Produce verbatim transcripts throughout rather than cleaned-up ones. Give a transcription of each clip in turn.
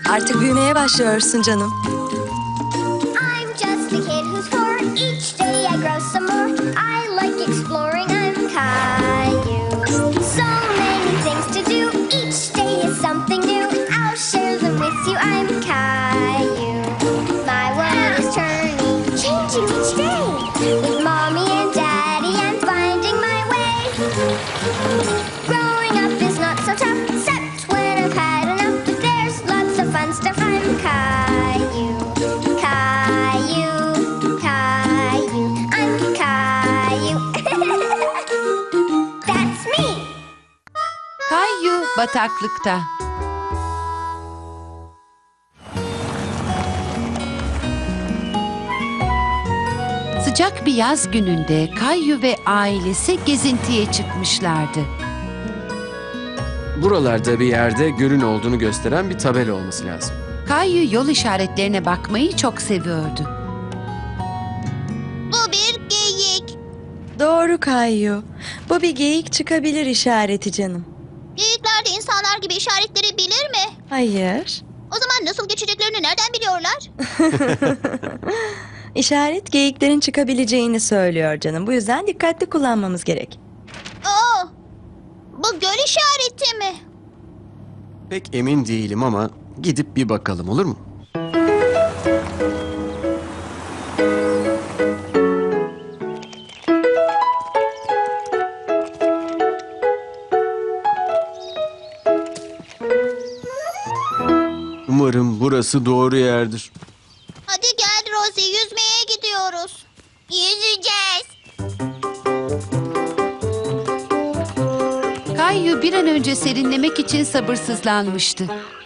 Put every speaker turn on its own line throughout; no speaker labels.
Artık büyümeye başlıyorsun canım.
I'm just a kid who's four. Each day I grow some more. I like exploring. I'm Caillou. So many things to do. Each day is something new. I'll share them with you. I'm Caillou. My world is turning, changing each day. With mommy and daddy, I'm finding my way. Growing up is not so tough, except when I've had enough. But there's lots of fun stuff. I'm Caillou. Caillou, Caillou, I'm Caillou. That's me.
Caillou bataklıkta. Sıcak bir yaz gününde Caillou ve ailesi gezintiye çıkmışlardı.
Buralarda bir yerde gölün olduğunu gösteren bir tabela olması lazım.
Caillou yol işaretlerine bakmayı çok seviyordu.
Bu bir geyik.
Doğru Caillou. Bu bir geyik çıkabilir işareti canım.
Geyikler de insanlar gibi işaretleri bilir mi?
Hayır.
O zaman nasıl geçeceklerini nereden biliyorlar?
İşaret geyiklerin çıkabileceğini söylüyor canım. Bu yüzden dikkatli kullanmamız gerek.
Aa, bu göl işareti mi?
Pek emin değilim ama gidip bir bakalım, olur mu? Umarım burası doğru yerdir.
Hadi gel Rosie, yüzmeye gidiyoruz. Yüzeceğiz.
Caillou bir an önce serinlemek için sabırsızlanmıştı.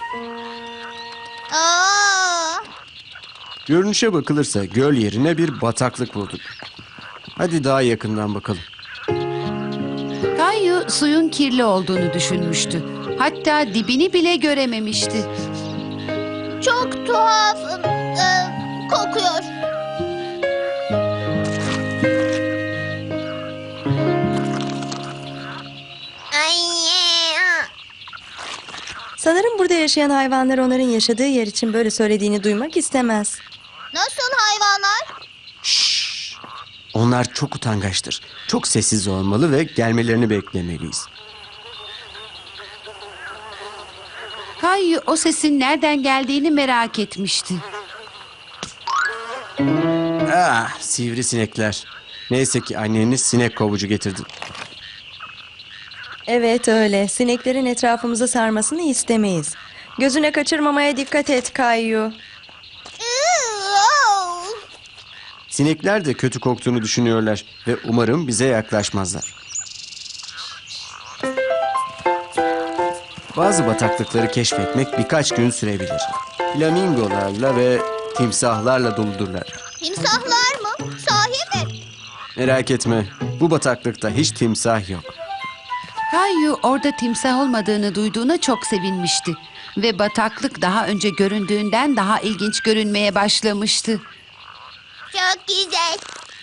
Aa,
Görünüşe bakılırsa göl yerine bir bataklık bulduk. Hadi daha yakından bakalım.
Caillou suyun kirli olduğunu düşünmüştü. Hatta dibini bile görememişti.
çok tuhaf e, kokuyor.
Sanırım burada yaşayan hayvanlar onların yaşadığı yer için böyle söylediğini duymak istemez.
Nasıl hayvanlar?
Onlar çok utangaçtır. Çok sessiz olmalı ve gelmelerini beklemeliyiz.
Caillou o sesin nereden geldiğini merak etmişti.
Ah, sivrisinekler. Neyse ki anneniz sinek kovucu getirdi.
Evet öyle. Sineklerin etrafımızı sarmasını istemeyiz. Gözüne kaçırmamaya dikkat et Caillou.
Sinekler de kötü koktuğunu düşünüyorlar ve umarım bize yaklaşmazlar. Bazı bataklıkları keşfetmek birkaç gün sürebilir. Flamingolarla ve timsahlarla doludurlar.
Timsahlar mı? Sahi mi?
Merak etme, bu bataklıkta hiç timsah yok.
Caillou orada timsah olmadığını duyduğuna çok sevinmişti. Ve bataklık daha önce göründüğünden daha ilginç görünmeye başlamıştı.
Çok güzel.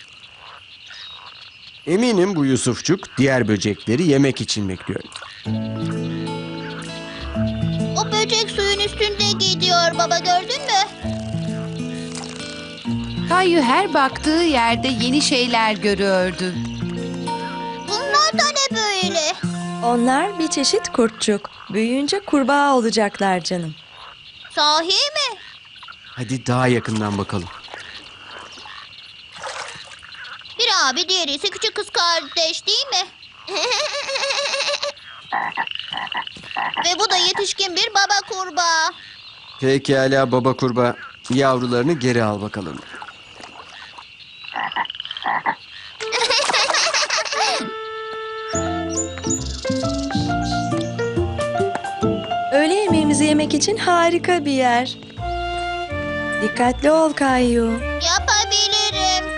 Eminim bu Yusufçuk diğer böcekleri yemek için bekliyor.
O böcek suyun üstünde gidiyor baba, gördün mü?
Caillou her baktığı yerde yeni şeyler görüyordu.
Bunlar da ne böyle?
Onlar bir çeşit kurtçuk. Büyüyünce kurbağa olacaklar canım.
Sahi mi?
Hadi daha yakından bakalım.
Bir abi, diğeri ise küçük kız kardeş değil mi? Ve bu da yetişkin bir baba kurbağa.
Pekala baba kurbağa, yavrularını geri al bakalım.
Öğle yemeğimizi yemek için harika bir yer. Dikkatli ol Caillou.
Yapabilirim.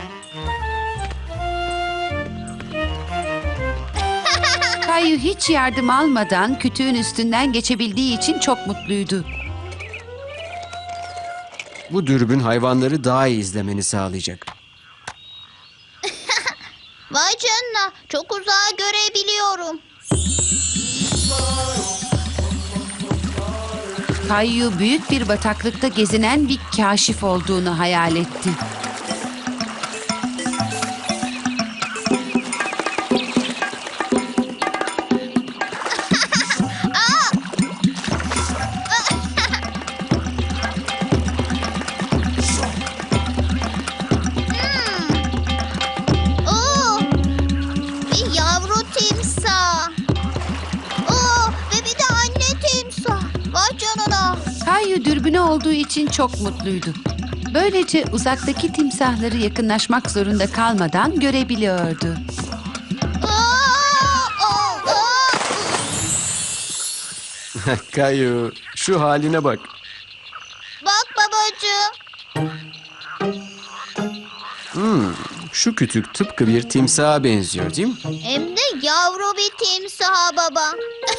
Caillou hiç yardım almadan kütüğün üstünden geçebildiği için çok mutluydu.
Bu dürbün hayvanları daha iyi izlemeni sağlayacak.
Vay canına, çok uzağa görebiliyorum.
Kayu büyük bir bataklıkta gezinen bir kaşif olduğunu hayal etti.
Oo, bir yavru timsah. Oo, ve bir de anne timsah. Vay canına.
Kayu dürbünü olduğu için çok mutluydu. Böylece uzaktaki timsahları yakınlaşmak zorunda kalmadan görebiliyordu.
Aa, aa, aa.
Kayu, şu haline bak.
Bak babacığım.
Şu kütük tıpkı bir timsaha benziyor değil mi?
Hem de yavru bir timsah baba.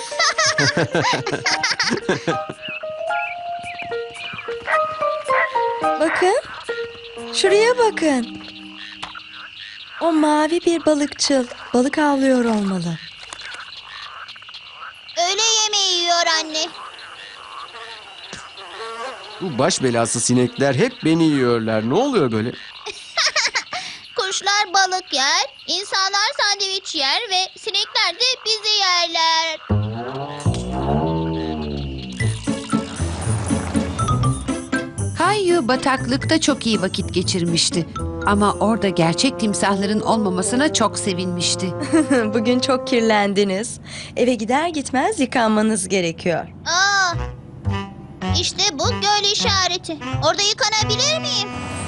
Bakın. Şuraya bakın. O mavi bir balıkçıl. Balık avlıyor olmalı.
Öğle yemeği yiyor anne.
Bu baş belası sinekler hep beni yiyorlar. Ne oluyor böyle?
Kuşlar balık yer, insanlar sandviç yer ve sinekler de bizi yerler.
Kayu bataklıkta çok iyi vakit geçirmişti. Ama orada gerçek timsahların olmamasına çok sevinmişti.
Bugün çok kirlendiniz. Eve gider gitmez yıkanmanız gerekiyor.
Aa, işte bu göl işareti. Orada yıkanabilir miyim?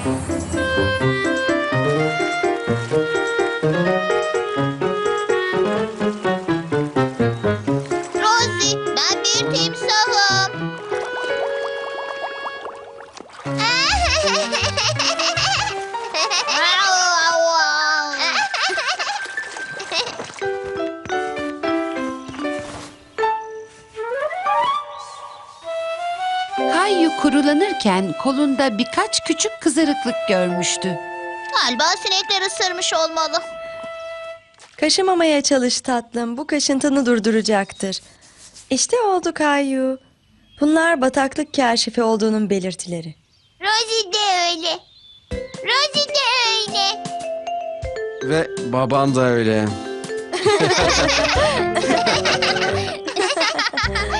Rosie, ben bir timsahım.
Kayu kurulanırken kolunda birkaç küçük kızarıklık görmüştü.
Galiba sinekler ısırmış olmalı.
Kaşımamaya çalış tatlım. Bu kaşıntını durduracaktır. İşte oldu Kayu. Bunlar bataklık kaşifi olduğunun belirtileri.
Rosie de öyle. Rosie de öyle.
Ve baban da öyle.